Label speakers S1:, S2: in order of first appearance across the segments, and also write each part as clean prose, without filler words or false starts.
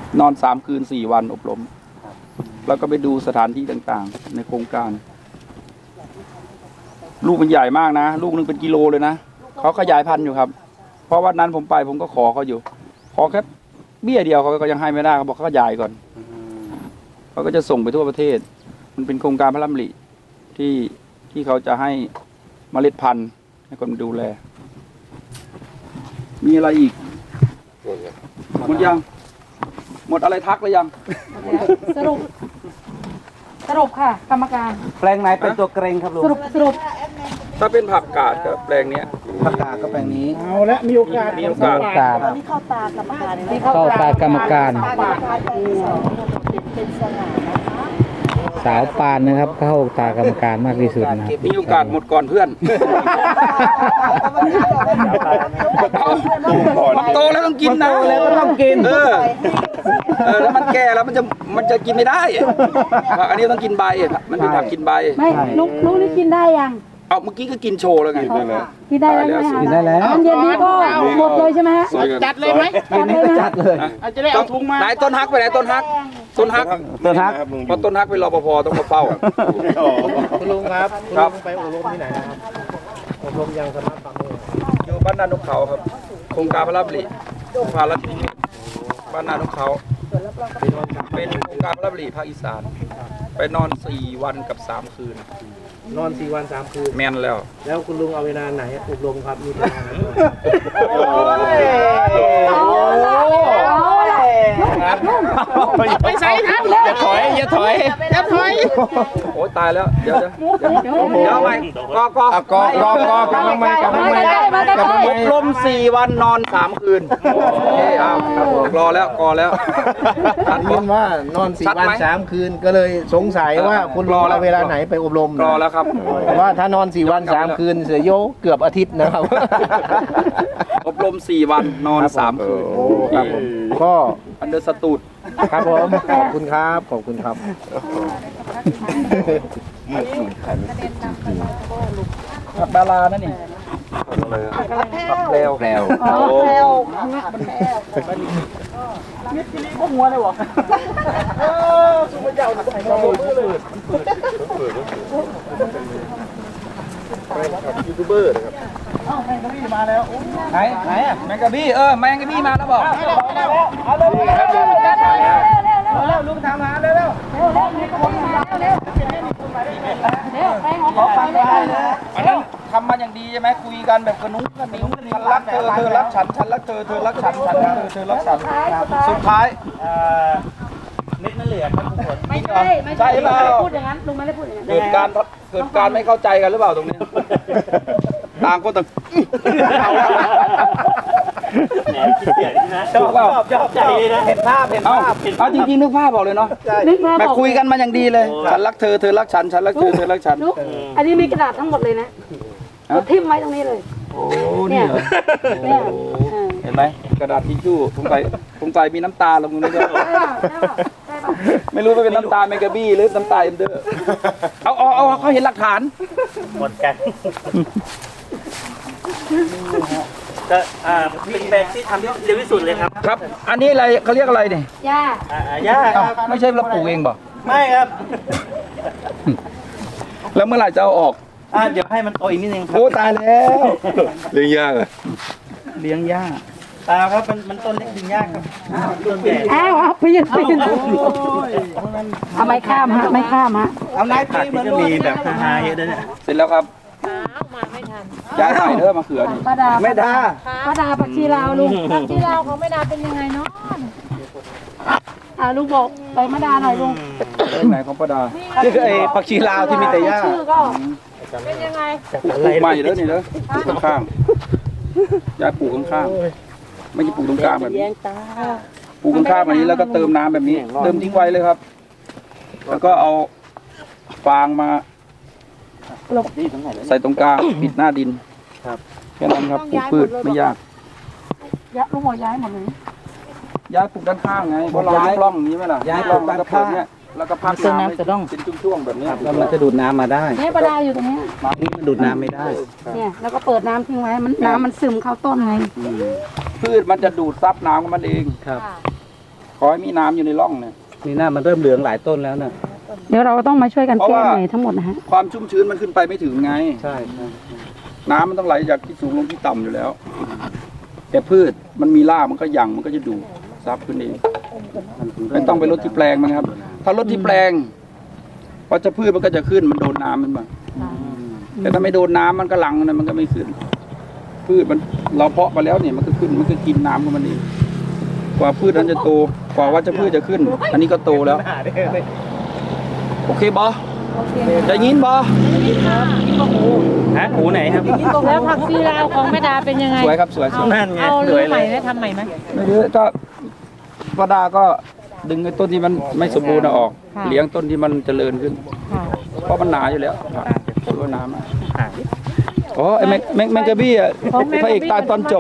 S1: นอน3 คืน 4 วันอบรมแล้วก็ไปดูสถานที่ต่างๆในโครงการลูกมันใหญ่มากนะลูกนึงเป็นกิโลเลยนะเขาขยายพันธุ์อยู่ครับเพราะวันนั้นผมไปผมก็ขอเขาอยู่ขอแค่เบี้ยเดียวเขาก็ยังให้ไม่ได้เขาบอกเขาขยายก่อนเขาก็จะส่งไปทั่วประเทศมันเป็นโครงการพระราชดำริที่เขาจะให้เมล็ดพันธุ์ให้คนดูแลมีอะไรอีกหมดยังหมดอะไรทักหรือยัง
S2: สรุปค่ะกรรมการ
S3: แปลงไหนเป็นตัวเกรงครับลุง
S2: สรุป
S1: ถ้าเป็นผักกาดกับแปลงเนี้ย
S3: ผักกาดก็แปลงนี้
S4: เอาละมีโอกาส
S2: นี่เข้าตากรรมการ
S3: เข้าตากรรมการสาวปานนะครับเข้าตากรรมการมากที่สุดนะ
S1: มีโอกาสหมดก่อนเพื่อนมันโตแล้วต้องกินนะ
S3: แล้วก็ต้องกิน
S1: แล้วมันแก่แล้วมันจะกินไม่ได้อันนี้ต้องกินใบมันเป็นผักกินใบ
S2: ไม่ลูกนี่กินได้ยัง
S1: เอาเมื่อกี้ก็กินโชว์แล้วไง
S2: กินได้แล้วใช่ไหมคะ
S3: กินได้แล้ว
S2: อันเย็นนี้ก็หมดเลยใช่ไหมฮะ
S4: จัดเลยไหม
S3: จัดเลย
S4: จะได้เอาถุงมา
S1: ไหนต้นฮักไปไหนต้นฮักเพราะต้นฮักเป็นรปภต้องมาเฝ้า
S4: คุณลุงครับคุณลุงไปอบรมที่ไหนนะครับอบรมยังสมาร์ทฟาร์ม
S1: อยู่บ้านนานกเขาครับโครงการพระราชดำริพาลัดที่บ้านนานกเขาเป็นโครงการพระราชดำริภาคอีสานไปนอน4 วันกับ3 คืน
S4: นอน4 วัน 3 คืน
S1: แม่นแล้ว
S4: คุณลุงเอาเวลาไหนอบรมครับมีเวลาไหนไปใส่ครับอย่าถอย
S1: โอ้ตายแล้วเดี๋ยวไปกำลังอบรม4 วันนอน3 คืนรอแล้ว
S4: ท่านยินว่านอน4 วัน 3 คืนก็เลยสงสัยว่าคุณรอเวลาไหนไปอบรม
S1: รอแล้วครับ
S4: ว่าถ้านอน4 วัน 3 คืนเสียโยเกือบอาทิตย์นะครับ
S1: อบรม4 วันนอน3 คืน
S4: ก็
S1: อันเดอร์สตูด
S4: ครับผมขอบคุณครับ
S1: ผักดารานั่นนี่ผักแพรว
S4: พวกหัวเลยวะสุภาพเจ้ายูทูบเบอร์นะครับแมงกะบี้มาแล้ว
S1: ไหนอ่ะแมงกะบี้แมงกะบี้มาแล้วบอก
S4: เอาเร็วลุงทำมาเร็ว
S1: อันนั้นทำมาอย่างดีใช่ไหมคุยกันแบบกระนุ้งฉันรักเธอรักฉันรักเธอรักฉันเธอรักฉันสุดท้าย
S4: เม็ดนั่นเหลือครับทุกคน
S2: ไม่ใช่พูดอย่างนั้นลุงไม่ได้พูดอย่างนั้น
S1: เกิดการไม่เข้าใจกันหรือเปล่าตรงนี้ต่างคนต่าง
S4: ชอบใจนะเห็นภาพ
S1: เอาจริงๆนึกภาพบอกเลยเนาะแบบคุยกันมาอย่างดีเลยฉันรักเธอรักฉันรักเธอรักฉัน
S2: อันนี้มีกระดาษทั้งหมดเลยนะทิ่มไว้ตรงนี้เลย
S1: โอ้เนี่ยเห็นไหมกระดาษทิชชู่สงสัยมีน้ำตาลงตรงนี้ด้วยไม่รู้ว่าเป็นน้ำตาเมกะบี้หรือน้ำตาเอ็มเดอร์เอาเขาเห็นหลักฐาน
S4: หมดกันก็เป็นแบบที่ทำที่เร็วที่สุดเลยครับ
S1: ครับอันนี้อะไรเขาเรียกอะไรเนี่ย
S2: หญ้
S4: า
S1: ไม่ใช่เราปลูกเองบ่
S4: ไม่ครับ
S1: แล้วเมื่อไหร่จะเอาออก
S4: เดี๋ยวให้มันโตอีกนิดนึงครับ
S1: โอ้ตายแล้ว
S3: เลี้ยงยากอะ
S1: เลี้ยงยาก
S4: ครับมันต้นเล็กดึงยากครับต้นใหญ่
S2: ปีนเอาไม่ข้ามฮะ
S4: เอาไล่ผักที่จะมีแบบฮาๆเยอะด้วยเนี่ย
S1: เสร็จแล้วครับ
S2: มาไม่ทัน
S1: ย้ายใส่เด้อมาเขือนี่
S4: ไม่ดา
S2: ผักชีลาวลุงผักชีลาวของไม่ดาเป็นยังไงเนาะลุงบอกไปมะดาหน่อยลุง
S1: ไหนของป้าดา
S4: นี่คือไอ้ผักชีลาวที่มีแต่หญ้า
S2: ชื่อก็เป็นยังไง
S1: ปลูกใหม่เด้อนี่เด้อข้างย้ายปลูกข้างไม่ใช่ปลูกตรงกลางแบบนี้ปลูกข้างแบบนี้แล้วก็เติมน้ำแบบนี้เติมทิ้งไว้เลยครับแล้วก็เอาฟางมาใส่ตรงกลางปิดหน้าดินแค่นั้นครับปลูกพืชไม่ยาก
S2: ลุงบอกย้ายหมดเลย
S1: ย้ายปลูกด้านข้างไงเพราะเราย้ายร่องนี้ไหมล่ะ
S4: ย้ายร่องด้านข้าง
S1: แล้วก็พักน้ำจะต้องเป็นช่วงๆแบบนี้
S4: แล้วมันจะดูดน้ำมาได้
S2: เนี่ยปลาอยู่ตรงนี้
S4: นี่มันดูดน้ำไม่ได้
S2: เนี่ยแล้วก็เปิดน้ำทิ้งไว้น้ำมันซึมเข้าต้นไง
S1: พืชมันจะดูดซับน้ำของมันเอง
S4: ครับ
S1: ขอให้มีน้ำอยู่ในร่องเนี่ย
S3: นี่หน้ามันเริ่มเหลืองหลายต้นแล้วนะ
S2: เดี๋ยวเราต้องมาช่วยกัน
S1: เพราะ
S2: แก้
S1: ว่า
S2: ใหม่ทั้งหมดนะฮะ
S1: ความชุ่มชื้นมันขึ้นไปไม่ถึงไง
S3: ใช่
S1: น้ำมันต้องไหลจากที่สูงลงที่ต่ำอยู่แล้ว แต่พืชมันมีรากมันก็หยั่งมันก็จะดูดซับขึ้นเองไม่ต้องไปลดที่แปลงมันครับ ถ้าลดที่แปลงวัชพืชมันก็จะขึ้นมันโดนน้ำมันบ้างแต่ถ้าไม่โดนน้ำมันก็หลังนะมันก็ไม่ขึ้น พืชมันเราเพาะมาแล้วเนี่ยมันก็ขึ้นมันก็กินน้ำของมันเองกว่าพืชนั้นจะโตกว่าวัชพืชจะขึ้น อันนี้ก็โตแล้ว โอเคบอได้ยินบอ
S3: ฮะหูไหนครับ
S2: แล้วผักชีลาวของแม่ดาเป็นยังไง
S1: สวยครับสวย
S3: นั่นไง
S2: เอา
S3: ส
S2: รื้
S3: ว
S2: อย ให
S3: เล
S2: ม่
S3: ย
S2: ไหมทำใหม่ไหม
S1: ไม่เยอะก็ป้าดาก็ดึงไอ้ต้นที่มันไม่สมบูรณ์ออก
S2: ค่ะ
S1: เลี้ยงต้นที่มันเจริญขึ้น
S2: ค่ะ
S1: เพราะมันหนาอยู่แล้วถือว่าน้ำอะอ๋อไอ้แมงกะบี้อ่ะพระเอกตายตอนจบ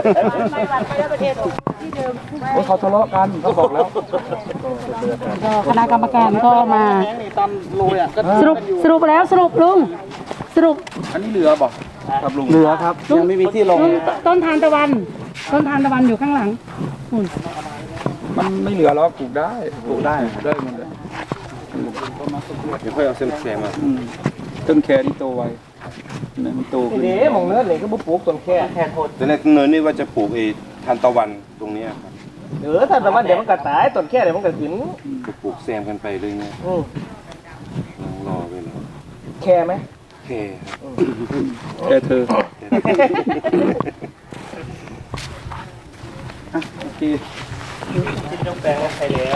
S1: โอ้ยเขาทะเลาะกันเขาบอกแล้ว
S2: ก็คณะกรรมการก็มาสรุปแล้วสรุปลุงสรุป
S1: อันนี้เหลือบอกครับลุง
S3: เหลือครับยังไม่มีที่ลง
S2: ต้นทานตะวันอยู่ข้างหลังหุ่น
S1: มันไม่เหลือแล้วปลูกได้ปลูกได้ได้หมดเลย
S5: เดี๋ยวค่อยเอาเส้นแซมมา
S1: ต้นแคนี่โตไวเนี่ยมันโตขึ้น
S4: เด้มองเนื้อเลยก็บุปลูกต้นแค่โทษ
S5: แต่ในเนินนี่ว่าจะปลูกไอ้ทานตะวันตรงเนี้ยครับ
S4: ถ้าแต่ว่าเดี๋ยวมันก็ตายต้นแค่เดี๋ยวมันก็ขึ้น
S5: จะปลูกแซมกันไปเลยเนี่ยรอไปเลย
S4: แค่ไหม
S5: แค่ครับ
S1: แคเธออ่ะโอเค
S4: แปลงว่าใครแล้ว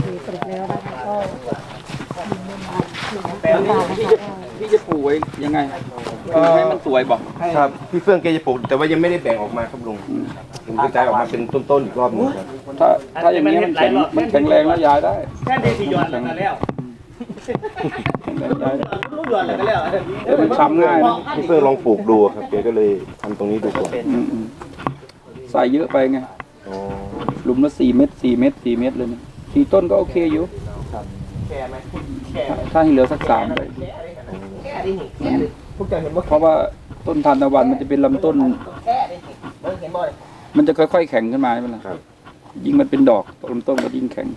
S1: พี่จะปลูกไว้ยังไงให้มันสวยบอก
S5: ครับพี่เฟื่องแกจะปลูกแต่ว่ายังไม่ได้แบ่งออกมาครับลุงผมกระจายออกมาเป็นต้นๆอีกรอบหนึงครับ
S1: ถ้าอย่างนี้มันแข็งแรงแล้วย้ายได้
S4: แค่ได้สี่ยอดแล้วก็แล้ว
S1: ย้ายได้
S4: ลูกยอดแล้วก็แล้ว
S1: แต่มันช้ำง่ายนะ
S5: พี่เฟื่องลองปลูกดูครับแกก็เลยทำตรงนี้ดูก่อน
S1: อืมใส่เยอะไปไง
S5: อ๋อ
S1: หลุมละ4 เม็ด4 เม็ด4 เม็ดเลยนะ4 ต้นก็โอเคอยู่
S4: แค่ไหม
S1: ถ้าให้เหลือสัก3เลย
S4: แค่ดิแค่ดิพวกเจ้าเห็นบ่
S1: เพราะว่าต้นทานตะวันมันจะเป็นลำต้น
S4: แค่ดิเห็นบ่
S1: มันจะค่อยๆแข็งขึ้นมาใช่ไหมล่ะยิ่งมันเป็นดอกลำต้นก็ยิ่งแข็ง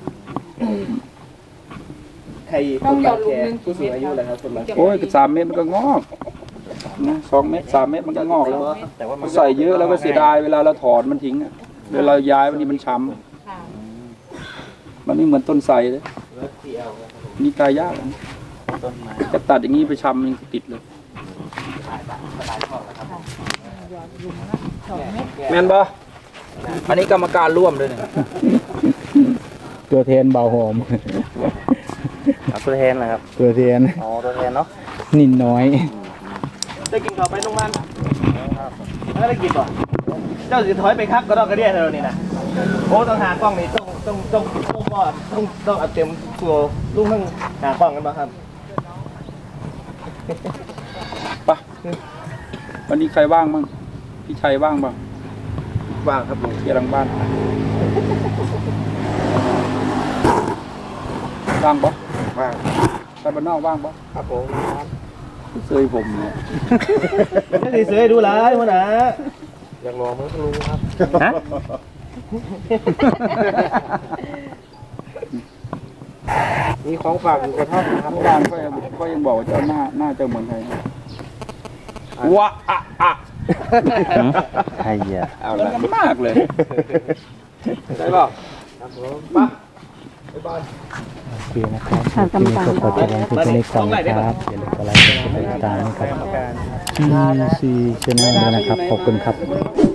S4: ใครคนบางแค่ผู้สูงอายุเลยครับคนบางแค่
S1: โอ้ย3 เม็ดมันก็งอกนะ2 เม็ด3 เม็ดมันก็งอกแล้ว
S4: แต่ว่ามัน
S1: ใส่เยอะแล้วก็เสียดายเวลาเราถอนมันทิ้งอะเวลาย้ายวันนี้มันช้ำมันไม่เหมือนต้นไทรเลยนี่ตายยากนะจะตัดอย่างนี้ไปช้ำมันติดเลยแมนบออันนี้กรรมการร่วมด้วยเนี่ย
S3: ตัวแทนเบาหอม
S4: ตัวแทนเหรอครับ
S3: ตัวแทน
S4: อ๋อตัวแทนเนาะ
S3: นินน้อย
S4: ได้กินข้าวไปโรงพยาบาลไม่ได้กินป่ะเจ้าสิถอยไปครับก็ต้องกระเดียเท่านี้นะโอ้ต้องหากล้องนี่ต้องเอาเต็มตัวลูกทั้งหากล้องกันป่ะครับ
S1: ไปวันนี้ใครว่างบ้างพี่ชัยว่างบ้าง
S5: ว่างครับลุง
S1: เกี่ยหลังบ้านว่างปะ
S5: ว่าง
S1: ไปบ้านนอกว่างปะ
S4: ครับผม
S1: เซยผมเนี่ย
S4: ไม่ได้เสือดูหลายหัวหน้าอยากลองมั้งลุงครับ
S3: ฮะ
S4: มีของฝากอยู่กระท่อมนะครับ
S1: เมื่อวานก็ยังบอกว่าเจ้าหน้าเจ้าเหมือนใครนะว้าอะอะ
S3: ใครอ่ะ
S1: เอาละมากเลยใช่ป่ะ
S3: โอเคนะครับคลิปนี้ก็ขอจบลงที่ตัวเลขก่อนนะครับอย่าลืมกดไลค์กดติดตามนะครับซีชแนลด้วยนะครับขอบคุณครับ